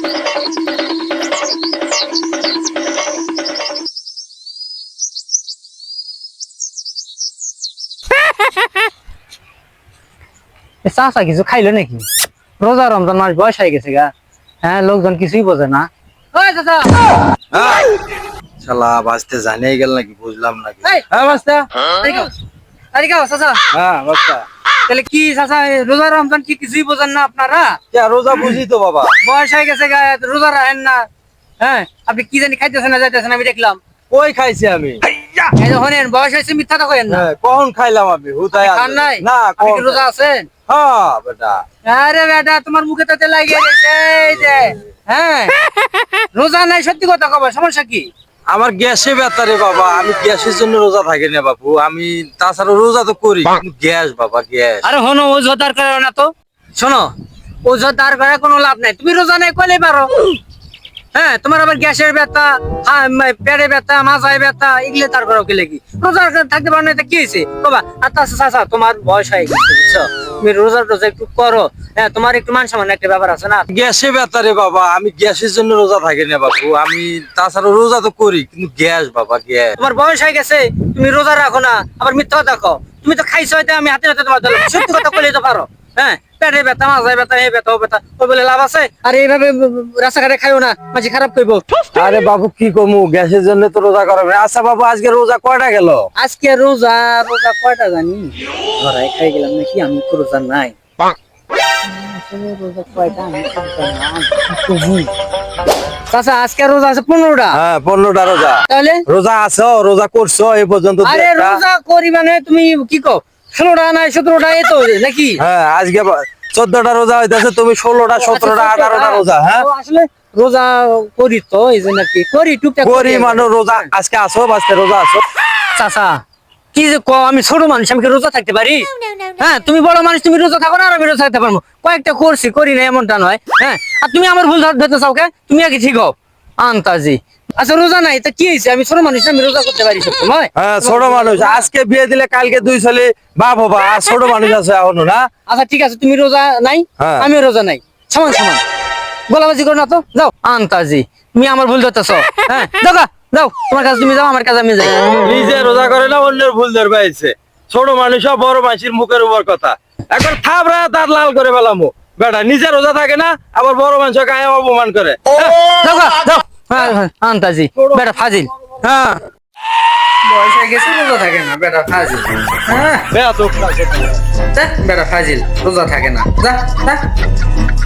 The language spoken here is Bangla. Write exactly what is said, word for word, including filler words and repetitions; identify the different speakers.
Speaker 1: চাচা কিছু খাইলো নাকি? রোজা রমজান মাস বয়স হয়ে গেছে গা। হ্যাঁ, লোকজন কিছুই বোঝে না। ওই চাচা,
Speaker 2: শালা বাঁচতে জানিয়ে গেল নাকি বুঝলাম নাকি।
Speaker 1: হ্যাঁ বাস্তা, চাচা।
Speaker 2: হ্যাঁ বাস্তা,
Speaker 1: তাহলে কি চাচা, রোজা রমজান কি কিছুই বোঝেন না আপনারা?
Speaker 2: রোজা বুঝি তো বাবা,
Speaker 1: বয়স হয়ে গেছে গা, রোজা রাখেন না। হ্যাঁ, আপনি কি জানি খাইতেছেন না যাইতেছেন, আমি দেখলাম।
Speaker 2: কই খাইছি আমি?
Speaker 1: এই যে হনেন, বয়স হয়েছে, মিথ্যা তো কইেন না।
Speaker 2: কখন খাইলাম আমি? হুদায়
Speaker 1: খান নাই?
Speaker 2: না,
Speaker 1: আপনি কি রোজা আছেন?
Speaker 2: হ্যাঁ বেটা।
Speaker 1: আরে বেটা, তোমার মুখে তাতে লাগিয়ে গেছে এই যে। হ্যাঁ, রোজা নাই, সত্যি কথা কবা, সমস্যা কি?
Speaker 2: আমার গ্যাসে ব্যথা রে বাবা, আমি গ্যাসের জন্য রোজা থাকি না বাবু। আমি তাছাড়া রোজা তো করি, কিন্তু গ্যাস বাবা, গ্যাস।
Speaker 1: আরে হনো, ওজোর দরকার না তো। শোনো, ওজোর দরকার কোনো লাভ নাই, তুমি রোজা নাই কইলেই পারো। হ্যাঁ, তোমার আবার গ্যাসের ব্যথা, পেটে ব্যথা, মাথায় ব্যথা, এগুলো তার করো কি লাগি? রোজা থাকতে পারো না, কি হয়েছে বাবা? আচ্ছা চাচা, তোমার বয়স হয়ে গেছে বুঝছো, তুমি রোজা টোজা একটু করো। হ্যাঁ, তোমার একটু মান সম্মান একটা ব্যাপার আছে না।
Speaker 2: গ্যাসে ব্যথা রে বাবা, আমি গ্যাসের জন্য রোজা থাকি না বাবু। আমি তাছাড়া রোজা তো করি, কিন্তু গ্যাস বাবা, গ্যাস।
Speaker 1: তোমার বয়স হয়ে গেছে, তুমি রোজা রাখো না, আবার মিথ্যা কথা কও। তুমি তো খাইছো, হয়তো আমি হাতে হাতে তোমার দিলাম, সত্যি কথা কইলেই তো পারো। হ্যাঁ, পেটে ব্যথা, মাথায় ব্যথা, এই ব্যথা ও ব্যথা, ওই বলে লাভ আছে? আর এইভাবে রাস্তাঘাটে খাইও না, মাঝে খারাপ করবো।
Speaker 2: আরে বাবু কি কমু, গ্যাসের জন্য তো রোজা করা। আচ্ছা বাবু, আজকে রোজা কয়টা গেল?
Speaker 1: আজকে রোজা রোজা কয়টা জানি, ধরাই খাই গেলাম নাকি, আমি তো রোজা নাই। রোজা কয়টা আমি চাচা, আজকে রোজা আছে পনেরোটা।
Speaker 2: হ্যাঁ, পনেরোটা রোজা।
Speaker 1: তাহলে
Speaker 2: রোজা আছো, রোজা করছো এই পর্যন্ত?
Speaker 1: আরে রোজা করি মানে তুমি কি কো, ষোলোটা নাই সতেরোটা এই তো নাকি?
Speaker 2: হ্যাঁ, আজকে চোদ্দটা রোজা হইতেছে, তুমি ষোলোটা, সতেরোটা, আঠারোটা রোজা। হ্যাঁ,
Speaker 1: আসলে রোজা করি তো, এই জন্য কি করি, টুকটাক
Speaker 2: করি মানে রোজা। আজকে আসো, আজকে রোজা আসো।
Speaker 1: চাচা কি যে কো, আমি ছোট মানুষ, আমি কি রোজা থাকতে পারি? হ্যাঁ, তুমি বড় মানুষ, তুমি রোজা থাকো না, আর আমি রোজা থাকতে পারবো? কয়েকটা করছি, করি না এমনটা নয়। হ্যাঁ, আর তুমি আমার ভুল ধরতে চাও কে? তুমি আগে ঠিক হও আন্তাজি। আচ্ছা রোজা নাই তা কি হয়েছে, আমি ছোট মানুষ, আমি রোজা করতে পারি সব সময়।
Speaker 2: হ্যাঁ, ছোট মানুষ, আজকে বিয়ে দিলে কালকে দুই ছেলে বাপ হবা, আর ছোট মানুষ আছে এখনো না।
Speaker 1: আচ্ছা ঠিক আছে, তুমি রোজা নাই, আমিও রোজা নাই, সমান সমান, গোলাবাজি করো না তো, যাও আন্তাজি। তুমি আমার ভুল ধরতেছ। হ্যাঁ, যাও যাও, তোমার কাছে তুমি যাও, আমার কাছে আমি যাই।
Speaker 2: নিজে রোজা করে না, অন্যের ভুল ধরবে আইছে। ছোট মানুষ বড় মানুষের মুখের উপর কথা, একবার থাবরা তার লাল করে ফেলামো। বেটা নিজে রোজা থাকে না, আবার বড় মানুষ গায়ে অপমান করে।
Speaker 1: যাও যাও, হ্যাঁ হ্যাঁ, আন্তাজি বেটা ফাজিল। হ্যাঁ, বয়স হয়ে গেছে, রোজা থাকে না, বেটা ফাজিল। হ্যাঁ,
Speaker 2: বেয়া তো
Speaker 1: বেটা ফাজিল, রোজা থাকে না, যা।